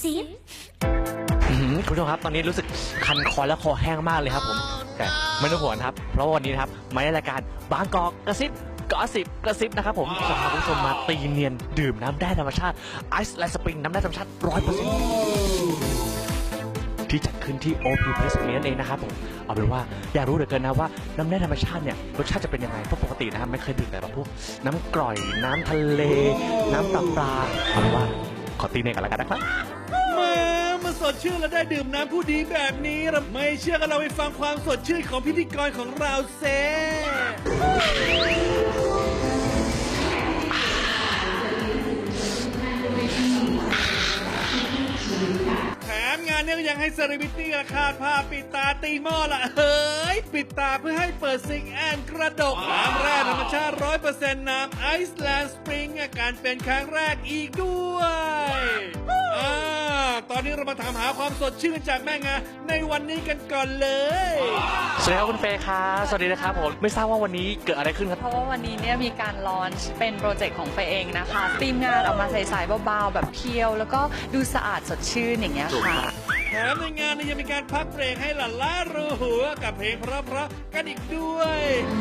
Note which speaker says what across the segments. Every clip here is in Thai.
Speaker 1: สิ
Speaker 2: คุณผู้ชมครับตอนนี้รู้สึกคันคอและคอแห้งมากเลยครับผมแต่ไม่ต้องห่วงครับเพราะว่าวันนี้นะครับมาในรายการบางกอกกระซิบกระซิบนะครับผมจะพาคุณผู้ชมมาตีเนียนดื่มน้ำแร่ธรรมชาติไอซ์แลนด์สปริงน้ำแร่ธรรมชาติ 100%ที่จัดขึ้นที่ OP Place นี้นั่นเองนะครับผมเอาเป็นว่าอยากรู้เหลือเกินนะว่าน้ำแร่ธรรมชาติเนี่ยรสชาติจะเป็นยังไงเพราะปกตินะครับไม่เคยดื่มแต่แบบพวกน้ำกร่อยน้ำทะเลน้ำปลาเอาเป็นว่าขอตีเนียนกันแล้วกันนะครับ
Speaker 3: มาสดชื่นและได้ดื่มน้ำผู้ดีแบบนี้เราไม่เชื่อกันเราไปฟังความสดชื่นของพิธีกรของเราเซแถมงานนี้ก็ยังให้เซเลบริตี้ราคาผ้าปิดตาตีหม้อละเฮ้ยปิดตาเพื่อให้เปิดซิงแอนกระดกน้ำแร่ธรรมชาติ 100% น้ำไอซ์แลนด์สปริงการเป็นครั้งแรกอีกด้วยตอนนี้เรามาถามหาความสดชื่นจากแม่งาในวันนี้กันก่อนเลย
Speaker 2: สวัสดีครับคุณเฟย์ครับสวัสดีนะครับผมไม่ทราบว่าวันนี้เกิดอะไรขึ้นครับ
Speaker 4: เพราะว่าวันนี้เนี่ยมีการลอนช์เป็นโปรเจกต์ของเฟย์เองนะคะทีมงานออกมาใสๆเบาๆแบบเพียวแล้วก็ดูสะอาดสดชื่นอย่างเงี้ยค่ะ
Speaker 3: แถมในงานยังมีการพักเบรกให้หล่นล้ารู้หัวกับเพลงเพราะๆกันอีกด้วย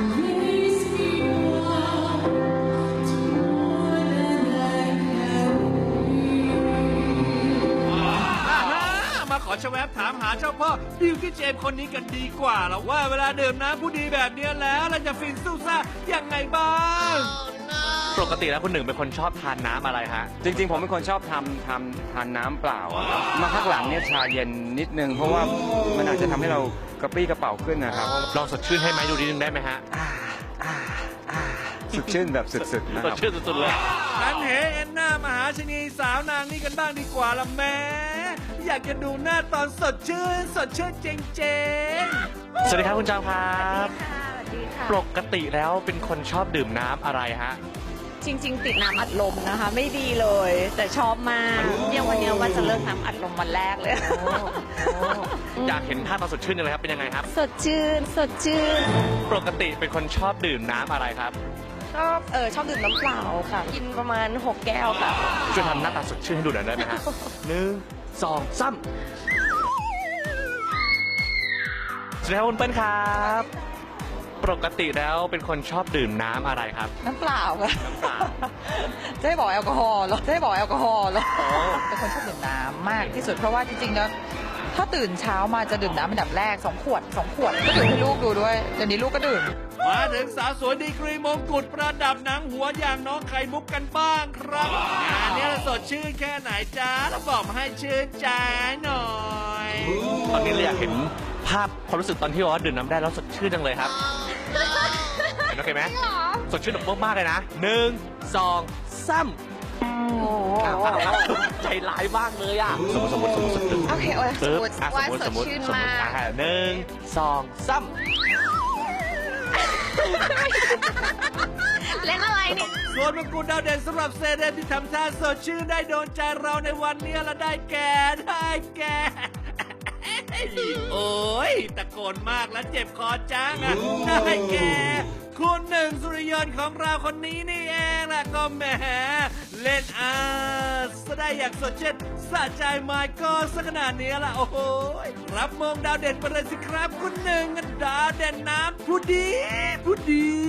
Speaker 3: มาขอชแวบถามหาเจ้าพ่อบิวตี้เจมคนนี้กันดีกว่าแล้วว่าเวลาดื่มน้ำผู้ดีแบบนี้แล้วเราจะฟินสู้ซ่ายังไงบ้าง
Speaker 2: ปกติแล้วคุณหนึ่งเป็นคนชอบทานน้ำอะไรฮะ
Speaker 5: จริงๆผมเป็นคนชอบทานน้ำเปล่ามาพักหลังเนี่ยชาเย็นนิดนึงเพราะว่ามันอาจจะทำให้เรากระปรี้กระเป๋าขึ้นนะครับ
Speaker 2: ลองสดชื่นให้ไหมดูนิดนึงได้ไหมฮะ
Speaker 5: สดชื่นแบบสุดๆนะครับ
Speaker 2: สดชื่นสุดๆเลย
Speaker 3: ทันเหเอ็นหน้ามหาชนีสาวนางนี่กันบ้างดีกว่าละแม่อยากจะดูหน้าตอนสดชื่นเจ๋ง
Speaker 2: ๆสวัสดีครับคุณจางครับ
Speaker 1: สวัสดีค่ะ
Speaker 2: ปกติแล้วเป็นคนชอบดื่มน้ำอะไรฮะ
Speaker 1: จริงๆติดน้ำอัดลมนะคะไม่ดีเลยแต่ชอบมากเนี่ยวันนี้ว่าจะเลิกน้ำอัดลมวันแรกเลย
Speaker 2: อยากเห็นท่าตอนสดชื่นเลยครับเป็นยังไงครับ
Speaker 1: สดชื่น
Speaker 2: ปกติเป็นคนชอบดื่มน้ำอะไรครับ
Speaker 1: ชอบดื่มน้ำเปล่าค่ะกินประมาณ6 แก้วค่ะ
Speaker 2: ช่วยทำหน้าตาสดชื่นให้ดูหน่อยได้ไหมฮะ1 2 3สวัสดีครับคุณเปิ้ลครับปกติแล้วเป็นคนชอบดื่มน้ำอะไรครับ
Speaker 4: น้ำเปล่าค่ะ
Speaker 2: น้ำเปล่า
Speaker 4: จะให้บอกแอลกอฮอล์เหรอเป็นคนชอบดื่มน้ำมากที่สุดเพราะว่าจริงๆแล้วถ้าตื่นเช้ามาจะดื่มน้ำเป็นดับแรก2 ขวดก็ดื่มให้ลูกดูด้วยเดี๋ยวนี้ลูกก็ดื่ม
Speaker 3: มาถึงสาวสวยดีกรีมงกุฎประดับหนังหัวอย่างน้องไข่มุกกันบ้างครับงานนี้สดชื่นแค่ไหนจ้าแล้วบอกมาให้ชื่นใจหน่อย
Speaker 2: ตอนนี้เราอยากเห็นภาพความรู้สึกตอนที่ว่าดื่มน้ำได้แล้วสดชื่นจังเลยครับโอเคไหมสดชื่นแบบมากๆเลยนะ1 2 3ใจร้ายมากเลยอ่ะสมมติ
Speaker 1: โอเคว่าสดชื่นมาก
Speaker 2: 1 2 3
Speaker 1: เล่นอะไรเนี่ย
Speaker 3: ส่วนมงกุฎดาวเด่นสำหรับเซเลบที่ทำท่าสดชื่นได้โดนใจเราในวันนี้และได้แก่โอ้ยตะโกนมากและเจ็บคอจังได้แก่คุณหนึ่งสุริยนต์ของเราคนนี้นี่เองล่ะก็แหมเล่นซะได้อย่างสดชื่นสะใจไมค์ก็สักขนาดนี้ละโอ้โหรับมงดาวเด่นไปเลยสิครับคุณหนึ่งดาวเด่นน้ำผู้ดี